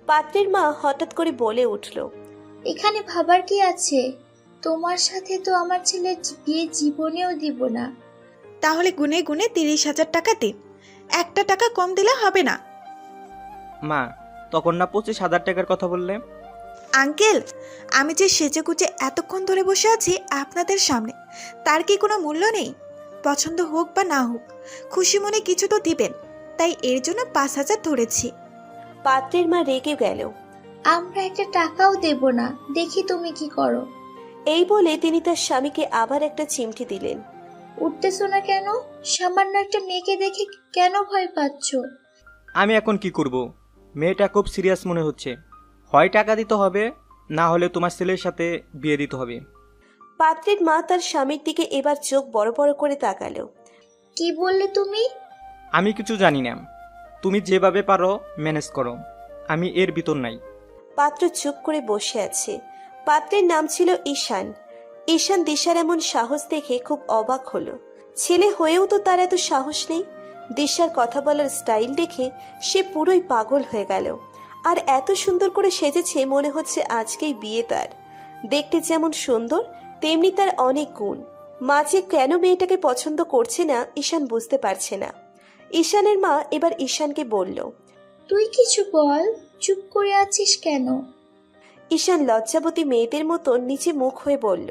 পাত্রের মা হঠাৎ করে বলে উঠল, এখানে ভাবার কি আছে? তোমার সাথে তো আমার ছেলের বিয়ে জীবনেও দিব না। তাহলে গুনে গুনে 30,000 টাকা দিন, একটা টাকা কম দিলে হবে না। মা, তখন না 25,000 টাকার কথা বললে? আঙ্কেল, আমি যে সেজে গুজে এতক্ষণ ধরে বসে আছি আপনাদের সামনে, তার কি কোনো মূল্য নেই? পছন্দ হোক বা না হোক, খুশি মনে কিছু তো দিবেন, তাই এর জন্য 5,000 ধরেছি। পাত্রের মা রেগে গেল। আমরা একটা টাকাও দেব না, দেখি তুমি কি করো। এই বলে তিনি তার স্বামীকে আবার একটা চিমটি দিলেন। উঠতেছো না কেন? সামান্য একটা মেয়েকে দেখে কেন ভয় পাচ্ছ? আমি এখন কি করব? মেয়েটা খুব সিরিয়াস মনে হচ্ছে। হয় টাকা দিতে হবে, না হলে তোমার ছেলের সাথে বিয়ে দিতে হবে। পাত্রের মা তার স্বামীর দিকে এবার চোখ বড় বড় করে তাকালো। কি বললে তুমি? আমি কিছু জানি না, তুমি যেভাবে পারো ম্যানেজ করো, আমি এর ভিতর নাই। পাত্র চুপ করে বসে আছে। পাত্রের নাম ছিল ঈশান। ঈশান দিশার এমন সাহস দেখে খুব অবাক হলো। ছেলে হয়েও তো তার এত সাহস নেই। দিশার কথা বলার স্টাইল দেখে সে পুরোই পাগল হয়ে গেল। আর এত সুন্দর করে সেজেছে, মনে হচ্ছে আজকেই বিয়ে তার। দেখতে যেমন সুন্দর, তেমনি তার অনেক গুণ। মা যে কেন মেয়েটাকে পছন্দ করছে না ঈশান বুঝতে পারছে না। ঈশানের মা এবার ঈশানকে বলল, তুই কিছু বল, চুপ করে আছিস কেন? ঈশান লজ্জাবতী মেয়েদের মতো নিচে মুখ হয়ে বলল।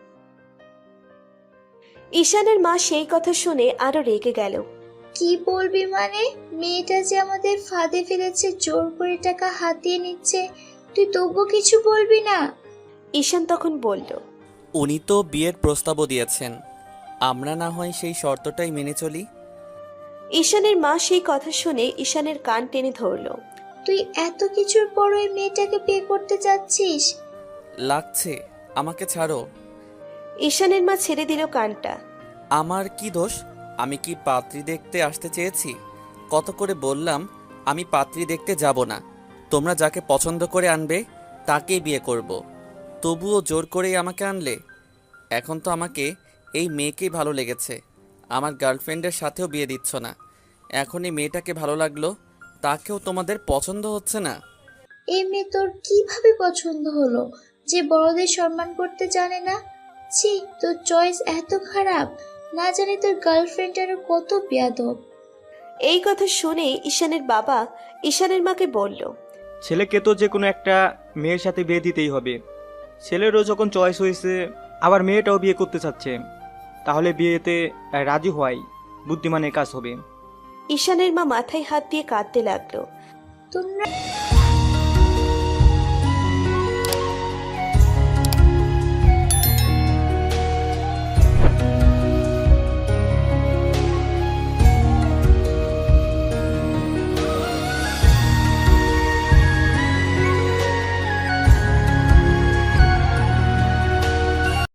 ঈশানের মা সেই কথা শুনে আরো রেগে গেল। কি বলবি মানে? মেয়েটা যে আমাদের ফাঁদে ফেলেছে, জোর করে টাকা হাতিয়ে নিচ্ছে, তুই তবু কিছু বলবি না? ঈশান তখন বলল, উনি তো বিয়ের প্রস্তাবও দিয়েছেন, আমরা না হয় সেই শর্তটাই মেনে চলি। ঈশানের মা সেই কথা শুনে ঈশানের কান টেনে ধরল। তুই এত কিছুর পর ওই মেয়েটাকে বিয়ে করতে যাচ্ছিস? লাগছে, আমাকে ছাড়ো। ঈশানের মা ছেড়ে দিল কানটা। আমার কি দোষ? আমি কি পাত্রী দেখতে আসতে চেয়েছি? কত করে বললাম আমি পাত্রী দেখতে যাব না, তোমরা যাকে পছন্দ করে আনবে তাকেই বিয়ে করব। তবুও জোর করেই আমাকে আনলে। এখন তো আমাকে এই মেয়েকেই ভালো লেগেছে, আমার গার্লফ্রেন্ডের সাথেও বিয়ে দিচ্ছ না। এখন এই মেয়েটাকে ভালো লাগলো, তাকেও তোমাদের পছন্দ হচ্ছে না। এই মেয়ে তোর কিভাবে পছন্দ হলো, যে বড়দের সম্মান করতে জানে না? ছি, তোর চয়েস এত খারাপ, না জানি তোর গার্লফ্রেন্ড আরো কত বেয়াদব। এই কথা শুনে ঈশানের বাবা ঈশানের মাকে বলল, ছেলেকে তো যে কোনো একটা মেয়ের সাথে বিয়ে দিতেই হবে। ছেলেরও যখন চয়েস হয়েছে, আবার মেয়েটাও বিয়ে করতে চাচ্ছে, তাহলে বিয়েতে রাজি হওয়াই বুদ্ধিমানের কাজ হবে। ঈশানের মা মাথায় হাত দিয়ে কাঁদতে লাগলো। তোমরা